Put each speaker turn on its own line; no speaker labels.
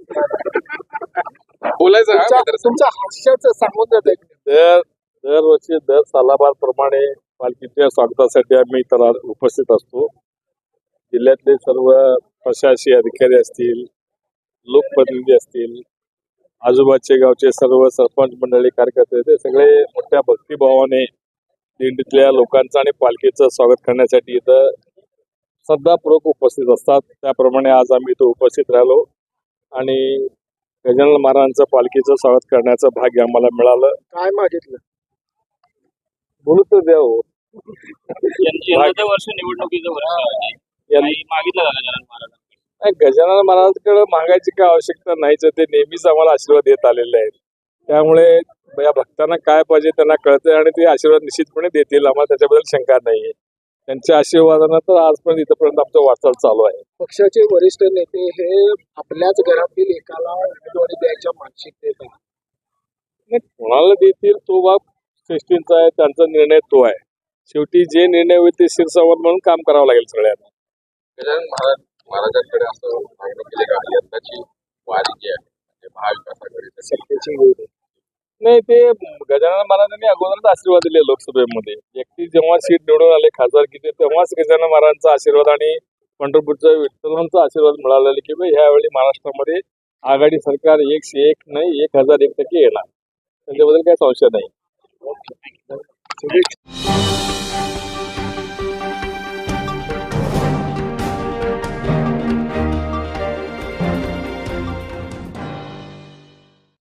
बोलायचं हा मित्र.
तुमच्या हास्याचं सांगून जात
दरवर्षी दर सालाबारप्रमाणे पालखीच्या स्वागतासाठी आम्ही इतर उपस्थित असतो. जिल्ह्यातले सर्व प्रशासकीय अधिकारी असतील, लोकप्रतिनिधी असतील, आजूबाजूचे गावचे सर्व सरपंच मंडळी, कार्यकर्ते, ते सगळे मोठ्या भक्तिभावाने दिंडीतल्या लोकांचं आणि पालखीचं स्वागत करण्यासाठी इथं श्रद्धापूर्वक उपस्थित असतात. त्याप्रमाणे आज आम्ही इथं उपस्थित राहिलो आणि गजानन महाराजांचं पालखीचं स्वागत करण्याचं भाग्य आम्हाला मिळालं.
काय मागितलं?
बोलू तर द्या हो.
यंदाचं वर्ष निवडणुकीचं वर्ष आहे. काही मागितलं का गजानन महाराज?
नाही, गजानन महाराजांकडे मागायची काय आवश्यकता नाहीच. ते नेहमीच आम्हाला आशीर्वाद देत आलेले आहेत. त्यामुळे या भक्तांना काय पाहिजे त्यांना कळतंय आणि ते आशीर्वाद निश्चितपणे देतील. आम्हाला त्याच्याबद्दल शंका नाहीये. त्यांच्या आशीर्वादानं तर आजपर्यंत इथपर्यंत आमचं वाटचाल चालू आहे.
पक्षाचे वरिष्ठ नेते हे आपल्याच घरातील एकाला उमेदवारी द्यायच्या मानसिकतेत आहेत.
नाही, कोणाला देतील तो बाब श्रेष्ठींचा आहे, त्यांचा निर्णय तो आहे. शेवटी जे निर्णय होईल ते शिरसावत म्हणून काम करावं लागेल सगळ्यांना.
गजानन महाराजांकडे असं मागणी केली का यंदाची वारी जी आहे म्हणजे महाविकासाकडे
सत्तेची वेळ
नाही, ते गजानन महाराजांनी अगोदरच आशीर्वाद दिले लोकसभेमध्ये. व्यक्ती जेव्हा सीट निवडून आले खासदारकीचे तेव्हाच गजानन महाराजांचा आशीर्वाद आणि पंढरपूरच्या विठ्ठलांचा आशीर्वाद मिळालेला की ह्यावेळी महाराष्ट्रामध्ये आघाडी सरकार 101 नाही 1001% येणार. त्याच्याबद्दल काही संशय नाही.